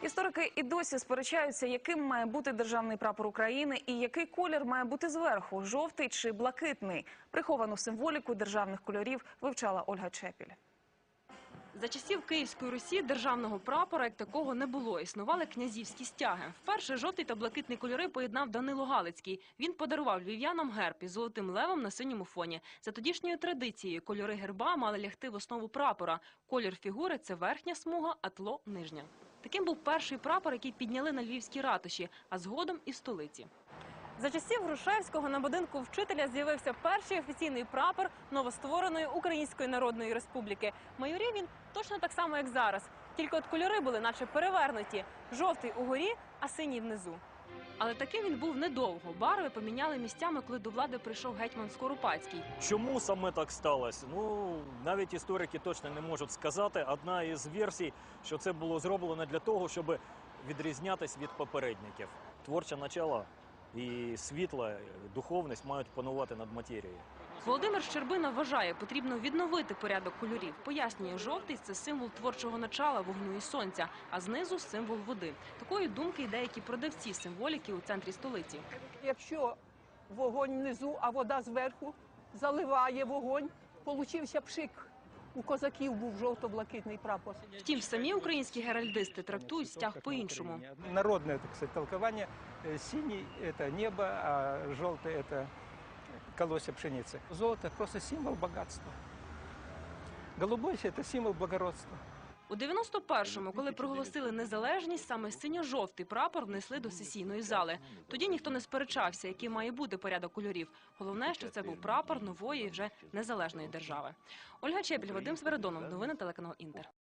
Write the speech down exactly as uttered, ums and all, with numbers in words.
Історики і досі сперечаються, яким має бути державний прапор України і який колір має бути зверху – жовтий чи блакитний. Приховану символіку державних кольорів вивчала Ольга Чепіль. За часів Київської Русі державного прапора як такого не було. Існували князівські стяги. Вперше жовтий та блакитний кольори поєднав Данило Галицький. Він подарував львів'янам герб із золотим левом на синьому фоні. За тодішньою традицією кольори герба мали лягти в основу прапора. Колір фігури – це верхня смуга, а тло – нижня. Таким був перший прапор, який підняли на львівській ратуші, а згодом і в столиці. За часів Грушевського на будинку вчителя з'явився перший офіційний прапор новоствореної Української Народної Республіки. Майорів він точно так само, як зараз. Тільки от кольори були наче перевернуті. Жовтий угорі, а синій внизу. Але таким він був недовго. Барви поміняли місцями, коли до влади прийшов гетьман Скоропадський. Чому саме так сталося? Ну, навіть історики точно не можуть сказати. Одна із версій, що це було зроблено для того, щоб відрізнятися від попередників. Творче начало і світла, духовність мають панувати над матерією. Володимир Щербина вважає, потрібно відновити порядок кольорів. Пояснює, жовтий – це символ творчого начала, вогню і сонця, а знизу – символ води. Такої думки й деякі продавці символіки у центрі столиці. Якщо вогонь внизу, а вода зверху заливає вогонь, получився пшик. У козаків був жовто-блакитний прапор. Втім, самі українські геральдисти трактують стяг по-іншому. Народне, так сказати, толковання – синій – це небо, а жовтий – це колосся пшениці. Золото – просто символ багатства. Голубой – це символ благородства. У дев'яносто першому, коли проголосили незалежність, саме синьо-жовтий прапор внесли до сесійної зали. Тоді ніхто не сперечався, який має бути порядок кольорів. Головне, що це був прапор нової, вже незалежної держави. Ольга Чепіль, Вадим Свередонов. Новини телеканал Інтер.